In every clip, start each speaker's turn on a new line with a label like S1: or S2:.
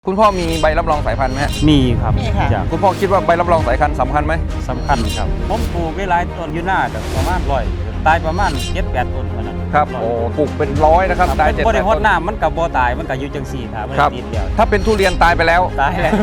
S1: คุณพ่อมีใบรับรองสายพันธุ์ไหมฮะ
S2: มีครับ
S3: มีค่ะ
S1: คุณพ่อคิดว่าใบรับรองสายพันธุ์สำคัญไหม
S2: สำคัญครับผมปลูกไว้หลายต้นอยู่หน้าแต่ประมาณ100ตายประมาณ7-8 ต้นเท่านั้น
S1: ครับโอ้ปลูกเป็นร้อยนะครับตาย7-8
S2: บ่ได้
S1: ต้
S2: ฮด
S1: น
S2: น้ำมันกับบ่ตายมันก็อยู่จังซี่ครับมัน
S1: ครับ
S2: ติดเดียว
S1: ถ้าเป็นทุเรียนตายไปแล้ว
S2: ตายแล้ว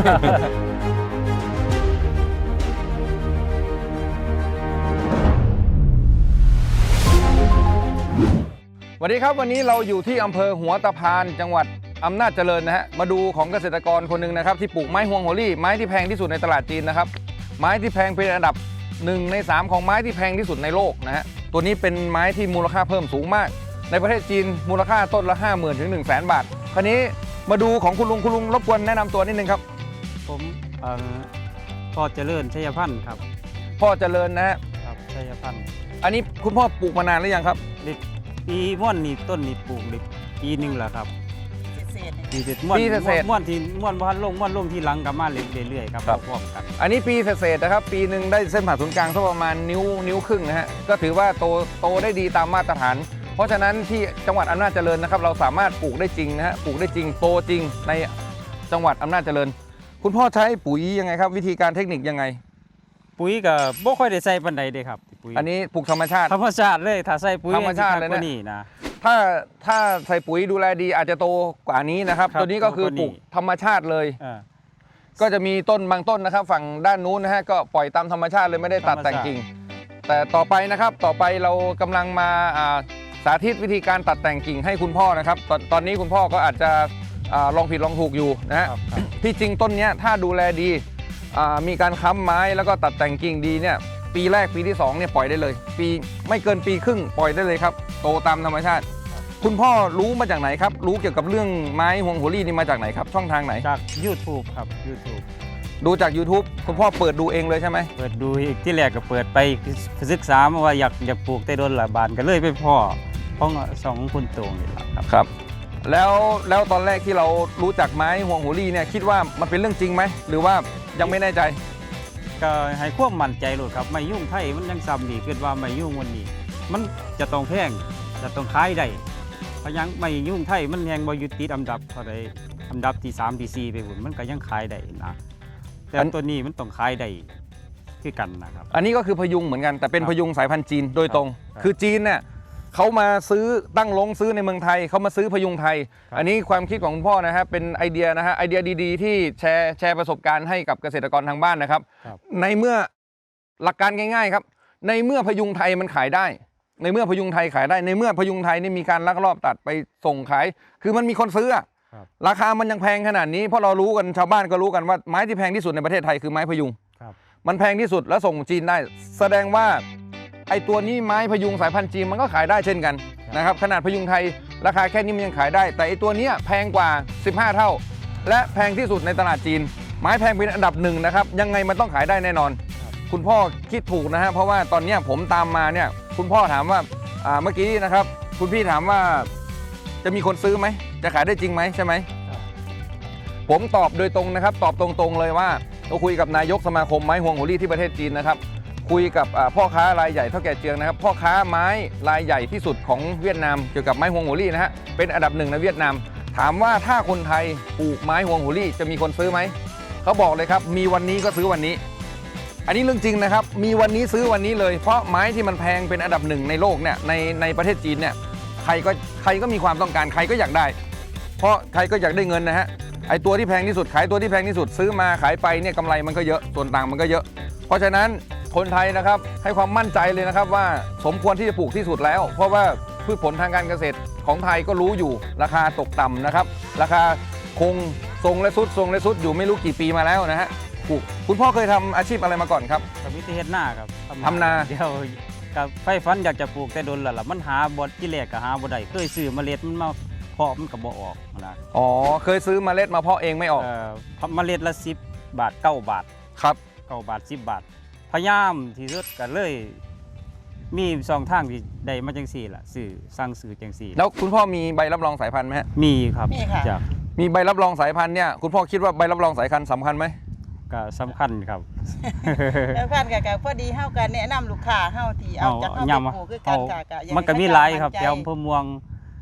S1: สวัสดีครับวันนี้เราอยู่ที่อำเภอหัวตะพานจังหวัดอำนาจเจริญนะฮะมาดูของเกษตรกรคนหนึ่งนะครับที่ปลูกไม้ฮวงโหรี่ไม้ที่แพงที่สุดในตลาดจีนนะครับไม้ที่แพงเป็นอันดับ1 ใน 3ของไม้ที่แพงที่สุดในโลกนะฮะตัวนี้เป็นไม้ที่มูลค่าเพิ่มสูงมากในประเทศจีนมูลค่าต้นละ 50,000 ถึง 100,000 บาทคราวนี้มาดูของคุณลุงรบกวนแนะนำตัวนิดนึงครับ
S2: ผมพ่อเจริญชัยพันธ์ครับ
S1: พ่อเจริญนะฮะ
S2: ครับชัยพันธ์
S1: อันนี้คุณพ่อปลูกมานานหรือยังครับ
S2: ปีม่วนนี่ต้นนี่ปลูกได้ปีหนึงแล้วครับ
S3: เศษๆ
S2: ปีเศษม่วน
S1: ปีเศษ
S2: ม่วนที่ม่วนบ่ทันม่วนลงที่หลังกับมาเรื่อยๆครับ
S1: ครับ
S2: พร้อมๆกัน
S1: อันนี้ปีเศษๆนะครับปีหนึ่งได้เส้นผ่าศูนย์กลางสักประมาณนิ้วครึ่งนะฮะก็ถือว่าโตได้ดีตามมาตรฐาน เพราะฉะนั้นที่จังหวัดอำนาจเจริญนะครับเราสามารถปลูกได้จริงนะฮะปลูกได้จริงโตจริงในจังหวัดอำนาจเจริญ คุณพ่อใช้ปุ๋ยยังไงครับวิธีการเทคนิคยังไง
S2: ปุ๋ยก็บ่ค่อยได้ใส่ปานใดเด้ครับปุ๋ย
S1: อันนี้ปลูกธรรมชาติ
S2: ธรรมชาติเลยถ้าใส่ปุ๋ย
S1: ธรรมชาติเลยนะ
S2: กว่านี่นะ
S1: ถ้าใส่ปุ๋ยดูแลดีอาจจะโตกว่านี้นะครับ
S2: ครับ
S1: ตัวนี้ก็คือ
S2: โตกว่านี้
S1: ปลูกธรรมชาติเลย
S2: อ่า
S1: ก็จะมีต้นบางต้นนะครับ ฝั่งด้านนู้นนะฮะก็ปล่อยตามธรรมชาติเลยไม่ได้ตัด
S2: ธรรมชาติ
S1: แต่งกิ่งแต่ต่อไปนะครับต่อไปเรากำลังมาสาธิตวิธีการตัดแต่งกิ่งให้คุณพ่อนะครับตอนนี้คุณพ่อก็อาจจะลองผิดลองถูกอยู่นะฮะ
S2: ครับ
S1: ที่จริงต้นเนี้ยถ้าดูแลดีมีการค้ำไม้แล้วก็ตัดแต่งกิ่งดีเนี่ยปีแรกปีที่2เนี่ยปล่อยได้เลยปีไม่เกินปีครึ่งปล่อยได้เลยครับโตตามธรรมชาติ คุณพ่อรู้มาจากไหนครับรู้เกี่ยวกับเรื่องไม้ฮวงโหรี่นี่มาจากไหนครับช่องทางไหน
S2: จาก YouTube ครับ YouTube
S1: ดูจาก YouTube คุณพ่อเปิดดูเองเลยใช่ไหม
S2: เปิดดูอีกที่แรกก็เปิดไปศึกษามาว่าอยากปลูกแต่โดนละบานก็เลยไปพ่อของสองคุณโตงนี่แหละครับ
S1: ครับแล้วตอนแรกที่เรารู้จักไม้ฮวงโหรี่เนี่ยคิดว่ามันเป็นเรื่องจริงไหมหรือว่ายังไม่แน่ใจ
S2: ก็ให้ความมั่นใจโลดครับไม่ยุ่งไทยมันยังซ้ำดีคิดว่าไม่ยุ่งวันนี้ มันจะต้องแพงจะต้องขายได้เพราะยังไม่ยุ่งไทยมันยังบ่อยู่ติดอันดับเท่าใดอันดับที่3ที่4ไปหุ่นมันก็ยังขายได้นะแต่ตัวนี้มันต้องขายได้คือกันนะครับ
S1: อันนี้ก็คือพยุงเหมือนกันแต่เป็น
S2: ครับ
S1: พยุงสายพันธุ์จีนโดยตรง
S2: ครับ
S1: คือจีนเนี่ยเขามาซื้อตั้งลงซื้อในเมืองไทยเขามาซื้อพยุงไทย
S2: ครับ
S1: อันนี้ความคิดของคุณพ่อนะฮะเป็นไอเดียนะฮะไอเดียดีๆที่แชร์ประสบการณ์ให้กับเกษตรกรทางบ้านนะครับ
S2: ครับ
S1: ในเมื่อหลักการง่ายๆครับในเมื่อพยุงไทยมันขายได้ ในเมื่อพยุงไทยขายได้ ในเมื่อพยุงไทยนี่มีการลักลอบตัดไปส่งขาย คือมันมีคนซื้ออะ
S2: ครับ
S1: ราคามันยังแพงขนาดนี้เพราะเรารู้กันชาวบ้านก็รู้กันว่าไม้ที่แพงที่สุดในประเทศไทยคือไม้พยุง
S2: ครับ
S1: มันแพงที่สุดแล้วส่งจีนได้ แสดงว่าไอ้ตัวนี้ไม้พยุงสายพันธุ์จีนมันก็ขายได้เช่นกันนะครับขนาดพยุงไทยราคาแค่นี้มันยังขายได้ แต่ไอ้ตัวเนี้ยแพงกว่า 15 เท่า และแพงที่สุดในตลาดจีน ไม้แพงเป็นอันดับ1นะครับยังไงมันต้องขายได้แน่นอน คุณพ่อคิดถูกนะฮะเพราะว่าตอนเนี้ยผมตามมาเนี่ยคุณพ่อถามว่าเมื่อกี้นะครับคุณพี่ถามว่าจะมีคนซื้อไหมจะขายได้จริงไหมใช่ไหม
S2: ครับ
S1: ผมตอบโดยตรงนะครับตอบตรงๆเลยว่าเราคุยกับนายกสมาคมไม้ฮวงโหรี่ที่ประเทศจีนนะครับคุยกับพ่อค้ารายใหญ่เท่าแก่เจียงนะครับพ่อค้าไม้รายใหญ่ที่สุดของเวียดนามเกี่ยวกับไม้ฮวงโหรี่นะฮะเป็นอันดับ1ในเวียดนามถามว่าถ้าคนไทยปลูกไม้ฮวงโหรี่จะมีคนซื้อไหมเขาบอกเลยครับมีวันนี้ก็ซื้อวันนี้ อันนี้เรื่องจริงนะครับมีวันนี้ซื้อวันนี้เลยเพราะไม้ที่มันแพงเป็นอันดับ1ในโลกเนี่ยในประเทศจีนเนี่ยใครก็มีความต้องการใครก็อยากได้ เพราะใครก็อยากได้เงินนะฮะไอตัวที่แพงที่สุดขายตัวที่แพงที่สุดซื้อมาขายไปเนี่ยกำไรมันก็เยอะส่วนต่างมันก็เยอะ เพราะฉะนั้นคนไทยนะครับให้ความมั่นใจเลยนะครับว่าสมควรที่จะปลูกที่สุดแล้ว เพราะว่าพืชผลทางการเกษตรของไทยก็รู้อยู่ราคาตกต่ำนะครับราคาคงทรงและสุดอยู่ไม่รู้กี่ปีมาแล้วนะฮะปลูกคุณพ่อเคยทำอาชีพอะไรมาก่อนครับ
S2: กับวิธีเฮ็ดหน้าครับ
S1: ทำนา
S2: เดี๋ยวกับไฟฟันอยากจะปลูกแต่โดนแล้วล่ะมันหาบ่ที่แรกก็หาบ่ได้เคยซื้อเมล็ดมันมาเพาะมันก็บ่ออกนะ
S1: อ๋อเคยซื้อเมล็ดมาเพาะเองไม่ออก
S2: เมล็ดละ10 บาท9 บาท
S1: ครับ
S2: 9 บาท10 บาท พยายามที่สุดก็เลยมี2ทางที่ได้มาจังซี่ล่ะซื้อสั่งซื้อจังซี่
S1: แล้วคุณพ่อมีใบรับรองสายพันธุ์ไหมฮะ
S2: มีครับ
S3: มีค่ะ
S2: จาก
S1: มีใบรับรองสายพันธุ์เนี่ยคุณพ่อคิดว่าใบรับรองสายพันธุ์สำคัญไหม
S2: ก็สำคัญครับ
S3: แล้วพันกับพอดีเฮากันแนะนำลูกค้าเฮาที่เอาจากเฮาไปปลูกคือกันค่ะก็อยาก
S2: มันก็มี
S3: ให้
S2: หลายครับ
S3: มั่นใจ
S2: แถวอำเภอเมือง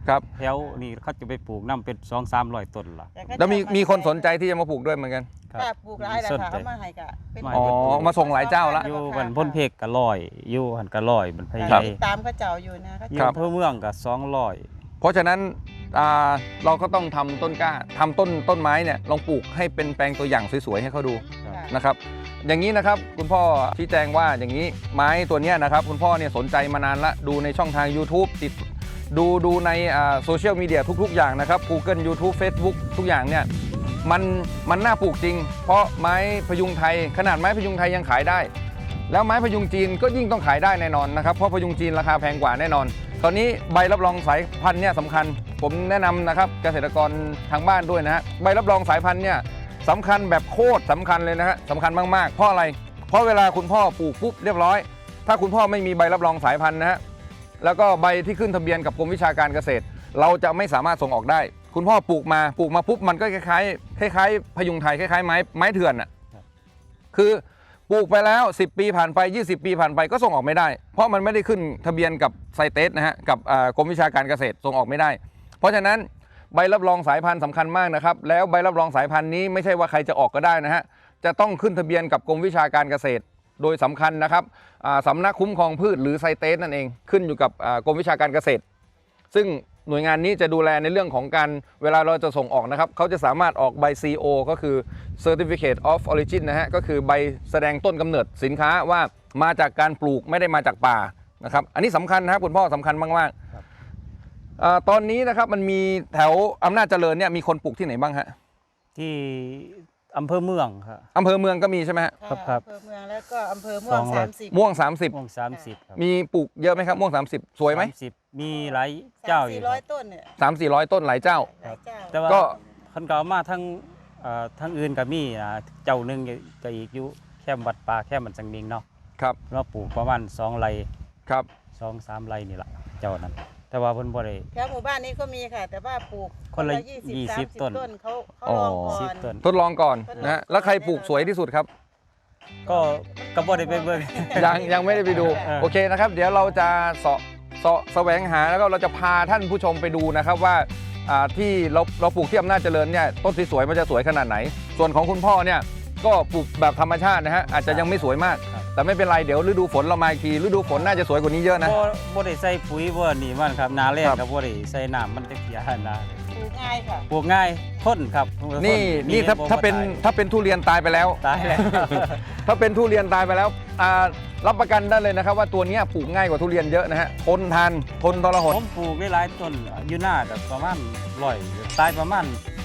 S1: ครับ
S2: แถวนี่เขาจะไปปลูกน้ำเป็น200-300 ต้นละ
S1: แล้วมีคนสนใจที่จะมาปลูกด้วยเหมือนกัน
S2: ครับ
S3: ถ้าปลูกหลายรา
S2: สน
S3: คา
S2: ใจ
S3: เอามาให้กะเป็น
S2: ไม่
S1: อ๋อมาส่งหลายเจ้าละ
S2: อยู่บันพ้นเพกก็ร้อยอยู่หันก็ร้อยมันพยา
S1: ครั
S2: ยา
S1: บ
S2: ม
S3: ตามเขาเจ้าอยู่นะเขา
S2: อยู่
S1: ครับ
S2: อำเภอเมืองก็200
S1: เพราะฉะนั้นเราก็ต้องทำต้นกล้าทำต้นไม้เนี่ยลองปลูกให้เป็นแปลงตัวอย่างสวยๆให้เขาดู
S3: ค่ะ
S1: นะครับอย่างนี้นะครับคุณพ่อชี้แจงว่าอย่างนี้ไม้ตัวเนี้ยนะครับคุณพ่อเนี่ยสนใจมานานละดูในช่องทาง YouTube ดูในโซเชียลมีเดียทุกๆอย่างนะครับ Google YouTube Facebook ทุกอย่างเนี่ยมันน่าปลูกจริง เพราะไม้พยุงไทยขนาดไม้พยุงไทยยังขายได้ แล้วไม้พยุงจีนก็ยิ่งต้องขายได้แน่นอนนะครับเพราะพยุงจีนราคาแพงกว่าแน่นอนคราวนี้ใบรับรองสายพันธุ์เนี่ยสำคัญผมแนะนำนะครับเกษตรกรทางบ้านด้วยนะฮะใบรับรองสายพันธุ์เนี่ยสำคัญแบบโคตรสำคัญเลยนะฮะสำคัญมากๆเพราะอะไรเพราะเวลาคุณพ่อปลูกปุ๊บเรียบร้อย ถ้าคุณพ่อไม่มีใบรับรองสายพันธุ์นะฮะแล้วก็ใบที่ขึ้นทะเบียนกับกรมวิชาการเกษตร เราจะไม่สามารถส่งออกได้ คุณพ่อปลูกมาปุ๊บมันก็คล้ายพยุงไทยคล้ายๆไม้เถื่อนอ่ะคือปลูกไปแล้ว10 ปีผ่านไป20 ปีผ่านไปก็ส่งออกไม่ได้ เพราะมันไม่ได้ขึ้นทะเบียนกับไซเตสนะฮะกับกรมวิชาการเกษตรส่งออกไม่ได้ เพราะฉะนั้นใบรับรองสายพันธุ์สำคัญมากนะครับแล้วใบรับรองสายพันธุ์นี้ไม่ใช่ว่าใครจะออกก็ได้นะฮะจะต้องขึ้นทะเบียนกับกรมวิชาการเกษตร โดยสำคัญนะครับสำนักคุ้มครองพืชหรือไซเตสนั่นเองขึ้นอยู่กับกรมวิชาการเกษตร ซึ่งหน่วยงานนี้จะดูแลในเรื่องของการเวลาเราจะส่งออกนะครับเขาจะสามารถออกใบ CO ก็คือ Certificate of Origin นะฮะก็คือใบแสดงต้นกำเนิดสินค้าว่ามาจากการปลูกไม่ได้มาจากป่านะครับอันนี้สำคัญนะครับคุณพ่อสำคัญมากๆตอนนี้นะครับมันมีแถวอำนาจเจริญเนี่ยมีคนปลูกที่ไหนบ้างฮะ
S2: ที่อำเภอเมืองครับ
S1: อำเภอเมืองก็มีใช่ไหมฮะ
S2: ครับ
S3: อำเภอเมืองแล้วก็อำเภอม่วง 30
S1: ม่วง
S2: ม่วง30ครับ
S1: 30 มีปลูกเยอะไหมครับม่วง 30 สวยไหม
S2: 30มีหลายเจ้าอยู่ครับ
S3: 400 ต้นเนี่ย
S1: 300-400 ต้นหลายเจ้า
S3: หลายเจ้า
S2: แต่ว่า
S1: ก็
S2: คนก็เอามาทั้งอื่นก็มีเจ้าหนึงก็อีกอยู่แค่วัดป่าแค่มันสังมิงเนาะ
S1: ครับ
S2: เราปลูกประมาณ2 ไร่
S1: ครับ
S2: 2-3 ไร่นี่แหละเจ้านั้น แต่ว่าเพิ่นบ่ได้
S3: แถวหมู่บ้านนี้ก็มีค่ะ แต่ว่าปลูก
S2: คนละ
S3: 20
S2: 20 ต้น
S3: เขาลองก่อน
S2: 10 ต้น
S1: ทดลองก่อนนะฮะแล้วใครปลูกสวยที่สุดครับ
S2: ก็บ่ได้ไปเบิ่ง
S1: ยังไม่ได้ไปดู โอเคนะครับ เดี๋ยวเราจะแสวงหาแล้วก็เราจะพาท่านผู้ชมไปดูนะครับว่าที่เราปลูกที่อำนาจเจริญเนี่ยต้นสวยๆมันจะสวยขนาดไหน ส่วนของคุณพ่อเนี่ยก็ปลูกแบบธรรมชาตินะฮะอาจจะยังไม่สวยมาก แต่ไม่เป็นไรเดี๋ยวฤดูฝนเรามาอีกทีฤดูฝนน่าจะสวยกว่านี้เยอะนะ
S2: บ่ได้ใส่ปุ๋ยบ่นี่มันครับหนาแรก
S1: ครับ
S2: ก็บ่ได้ใส่น้ำมันจะเสียนะ
S3: ปลูกง่ายค่ะ
S2: ปลูกง่ายทนครับ
S1: นี่ถ้าเป็นทุเรียนตายไปแล้ว
S2: ตายแล้ว
S1: ถ้าเป็นทุเรียนตายไปแล้วรับประกันได้เลยนะครับว่าตัวเนี้ยปลูกง่ายกว่าทุเรียนเยอะนะฮะทนทานทนทรหด
S2: ผมปลูกได้หลายต้นอยู่หน้าแต่ประมาณ100ตายประมาณ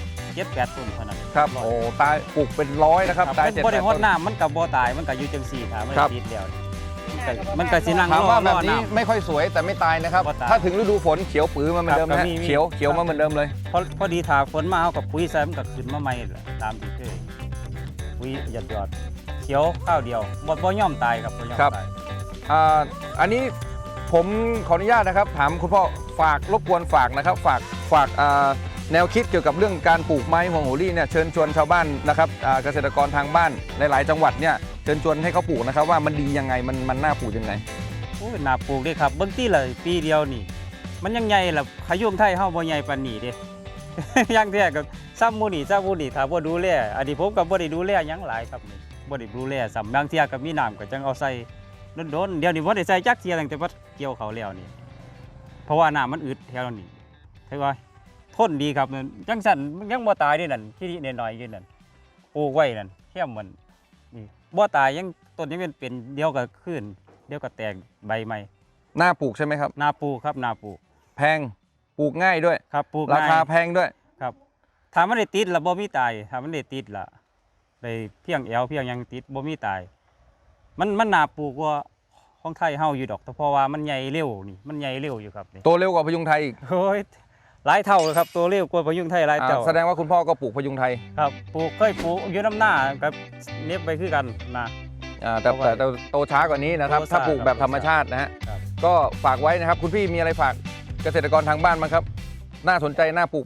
S2: 7-8 ต้นเท่านั้น
S1: ครับโอ้ตายปลูกเป็นร้อยนะครับตาย
S2: บ่ได้
S1: 7-8
S2: ฮด
S1: ต้น
S2: น้ำมันก็บ่ตายมันก็อยู่จังซี่ถ้ามัน
S1: ครับ
S2: ติดแล้วมันก็สินั่ง
S1: ถาม
S2: รอ
S1: ว่าแบบ
S2: รอ
S1: นี้
S2: น้ำ
S1: ไม่ค่อยสวยแต่ไม่ตายนะครับ
S2: บ่ตาย
S1: ถ้าถึงฤดูฝนเขียวปื้อมาเหมือนเดิมนะ
S2: ครั
S1: ฮะ
S2: บมี
S1: เขียวมาเหมือนเดิมเลย
S2: พอดีถ้าฝนมาเฮากับปุ๋ยใส่มันก็ขึ้นมาใหม่แหละตามที่เคยปุ๋ยหยอดเขียวข้าวเดียวบ่ยอมตายครับบ่ยอม
S1: ครับ
S2: ตาย
S1: อันนี้ผมขออนุญาตนะครับถามคุณพ่อฝากรบกวนฝากนะครับฝากแนวคิดเกี่ยวกับเรื่องการปลูกไม้ฮวงโหรี่เนี่ยเชิญชวนชาวบ้านนะครับเกษตรกรทางบ้านหลายๆ จังหวัดเนี่ยเชิญชวนให้เขาปลูกนะครับว่ามันดียังไงมันน่าปลูกยังไง
S2: โอ้ยน่าปลูกเด้ครับเบิ่งติละปีเดียวนี่ มันยังใหญ่ล่ะขยุมไทยเฮาบ่ใหญ่ปานนี้เด้ อย่างแท้ก็ซ้ำหมู่นี่ถ้าบ่ดูแลอันนี้ผมก็บ่ได้ดูแลหยังหลายครับนี่บ่ได้ดูแลซ้ำบางเที่ยก็มีน้ำก็จังเอาใส่โดนๆเดี๋ยวนี้บ่ได้ใส่จักเที่ยตั้งแต่ว่าเกี่ยวเขาวแล้วนี่เพราะว่าน้ำมันอึดแถวนี้ถือว่าทนดีครับจังสั่นมันยังบ่ตายเด้นั่นที่นี่น้อยๆอยู่นั่นปลูกไว้นั่นแค่มันนี่บ่ตายยังต้นยังเป็นเดียวก็ขึ้นเดียวก็แตกใบใหม่
S1: น่าปลูกใช่ไหมครับ
S2: นาปลูกครับนาปลูก
S1: แพงปลูกง่ายด้วย
S2: ครับปลูก
S1: ราคา
S2: ง่ย
S1: แพงด้วย
S2: ครับถ้ามันได้ติดละบ่มีตายถ้ามันได้ติดละได้เพียงแอวเพียงหยังติดบ่มีตาย มันนาปลูกกว่าของไทยเฮาอยู่ดอกแต่เพราะว่ามันใหญ่เร็วนี่มันใหญ่เร็วอยู่ครับนี่
S1: โตเร็วกว่าพยุงไทยอีก
S2: โอ้ยหลายเท่าเลยครับตัวเร็วกว่าพยุงไทยหลายเท่า
S1: แสดงว่าคุณพ่อก็ปลูกพยุงไทย
S2: ครับปลูกเคยปลูกอยู่น้ำหน้ากับเน็บไปคือกันนะ
S1: แต่โตช้ากว่านี้นะครับ
S2: โตช้า
S1: ถ้าปลูกแบบธรรมชาตินะฮะ
S2: ครับ
S1: ก็ฝากไว้นะครับคุณพี่มีอะไรฝากเกษตรกรทางบ้านบ้างครับน่าสนใจน่าปลูกไหม
S3: ค่ะ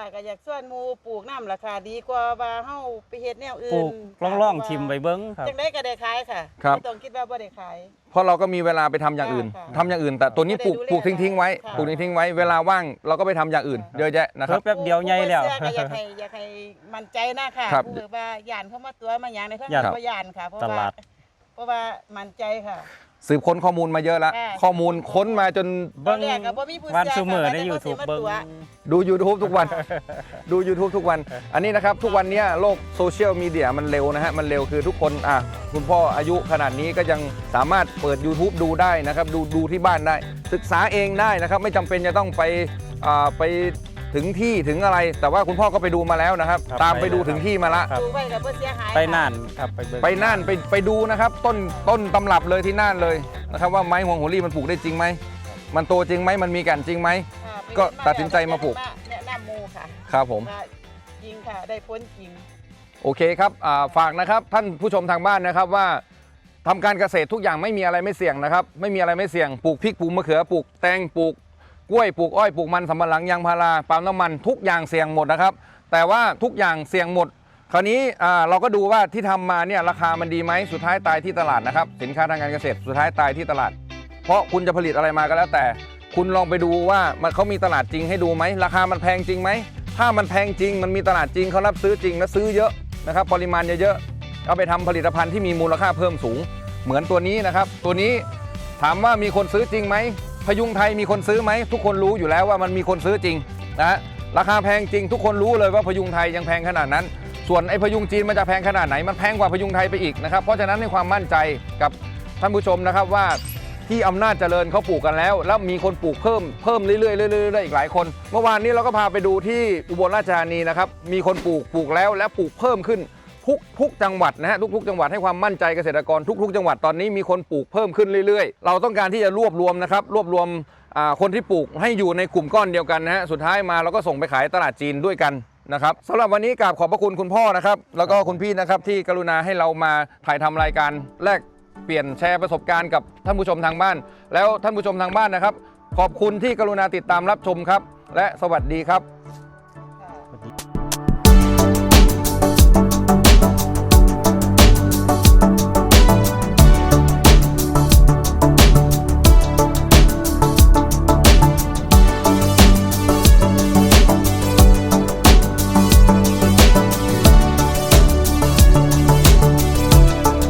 S3: ก็อยากส่วนหมู่ปลูกน้ำราคาดีกว่าว่าเฮาไปเฮ็ดแนวอื่น
S2: ปลูกล่องๆทิมไว้เบิ่งครับ
S3: จังได๋ก็ได้ขายค่ะ
S1: ครับ
S3: ไม่ต้องคิดว่าบ่ได้ขาย
S1: เพราะเราก็มีเวลาไปทำอย่างอื่น
S3: ค่ะ
S1: ทำอย่างอื่น แต่ตัวนี้ปลูก
S3: ไม่ได้ดูแล
S1: ปลูกทิ้งๆไว้
S3: ค่ะ
S1: ปลูกทิ้งๆไว้เวลาว่างเราก็ไปทำอย่างอื่น
S3: ค่ะ
S1: เยอะแยะนะครับ
S2: แป๊บเดียวใหญ่แล้ว
S3: ผู้บ่เชื่อก็อยากให้มั่นใจนะค่ะ
S1: ครับ
S3: ผู้ว่าย่านเข้ามาตัวมาหยังในเพิ่น
S2: ย่าน
S3: บ่ย่านค่ะเพราะ
S2: ต
S3: ว่า
S2: ลาด
S3: เพราะว่ามั่นใจค่ะ
S1: สืบค้นข้อมูลมาเยอะแล้ว
S3: ค่ะ
S1: ข้อมูลค้นมาจน
S3: ตอนแรกก็บ่มีผู้
S2: วัน
S3: เชื่อ
S2: ซุมื้อใน
S3: ค่ะ
S2: YouTube
S3: แต่
S2: เบิ่ง
S3: ว่าสิมาตัว
S1: ดู YouTube ทุกวัน ดู YouTube ทุกวัน อันนี้นะครับทุกวันเนี้ยโลกโซเชียลมีเดียมันเร็วนะฮะมันเร็วคือทุกคนคุณพ่ออายุขนาดนี้ก็ยังสามารถเปิด YouTube ดูได้นะครับดูที่บ้านได้ ศึกษาเองได้นะครับไม่จำเป็นจะต้องไปถึงที่ถึงอะไร แต่ว่าคุณพ่อก็ไปดูมาแล้วนะครับ
S2: ครับ
S1: ตามไปดู
S2: ไปเลย
S1: ถึงที่มาละ
S2: ครับ
S3: ดูไว้ก็บ่เสียหาย
S2: ไป
S3: ค่ะ
S2: น่านครับไปเบิ่ง
S1: ไปน่านไปดูนะครับต้นตำรับเลยที่น่านเลยนะครับว่าไม้ห่วงโหรี่มันปลูกได้จริงไหมมันโตจริงไหมมันมีแก่นจริงไหม
S3: ค่ะ
S1: ก็ตัดสินใจมาปลูก
S3: แนะนำหมู่ค่ะ
S1: ครับผม
S3: ว่าจริงค่ะได้ผลจริง
S1: โอเคครับฝากนะครับท่านผู้ชมทางบ้านนะครับว่าทำการเกษตรทุกอย่างไม่มีอะไรไม่เสี่ยงนะครับไม่มีอะไรไม่เสี่ยงปลูกพริกปลูกมะเขือปลูกแตงปลูกกล้วยปลูกอ้อยปลูกมันสำปะหลังยางพาราปาล์มน้ำมันทุกอย่างเสี่ยงหมดนะครับแต่ว่าทุกอย่างเสี่ยงหมด คราวนี้เราก็ดูว่าที่ทำมาเนี่ยราคามันดีไหมสุดท้ายตายที่ตลาดนะครับสินค้าทางการเกษตรสุดท้ายตายที่ตลาด เพราะคุณจะผลิตอะไรมาก็แล้วแต่ คุณลองไปดูว่าเขามีตลาดจริงให้ดูไหมราคามันแพงจริงไหมถ้ามันแพงจริงมันมีตลาดจริงเขารับซื้อจริงและซื้อเยอะนะครับปริมาณเยอะๆเอาไปทำผลิตภัณฑ์ที่มีมูลค่าเพิ่มสูง เหมือนตัวนี้นะครับตัวนี้ถามว่ามีคนซื้อจริงไหมพยุงไทยมีคนซื้อไหมทุกคนรู้อยู่แล้วว่ามันมีคนซื้อจริงนะฮะราคาแพงจริงทุกคนรู้เลยว่าพยุงไทยยังแพงขนาดนั้น ส่วนไอ้พยุงจีนมันจะแพงขนาดไหนมันแพงกว่าพยุงไทยไปอีกนะครับเพราะฉะนั้นให้ความมั่นใจกับท่านผู้ชมนะครับว่าที่อำนาจเจริญเขาปลูกกันแล้วมีคนปลูกเพิ่มเรื่อยๆอีกหลายคนเมื่อวานนี้เราก็พาไปดูที่อุบลราชธานีนะครับมีคนปลูกแล้วและปลูกเพิ่มขึ้นทุกจังหวัดนะฮะทุกจังหวัดให้ความมั่นใจเกษตรกรทุกจังหวัดตอนนี้มีคนปลูกเพิ่มขึ้นเรื่อยๆเราต้องการที่จะรวบรวมนะครับรวบรวมคนที่ปลูกให้อยู่ในกลุ่มก้อนเดียวกันนะฮะสุดท้ายมาเราก็ส่งไปขายตลาดจีนด้วยกันนะครับสำหรับวันนี้กราบขอบพระคุณคุณพ่อนะครับแล้วก็คุณพี่นะครับที่กรุณาให้เรามาถ่ายทำรายการแลกเปลี่ยนแชร์ประสบการณ์กับท่านผู้ชมทางบ้านแล้วท่านผู้ชมทางบ้านนะครับขอบคุณที่กรุณาติดตามรับชมครับและสวัสดีครับ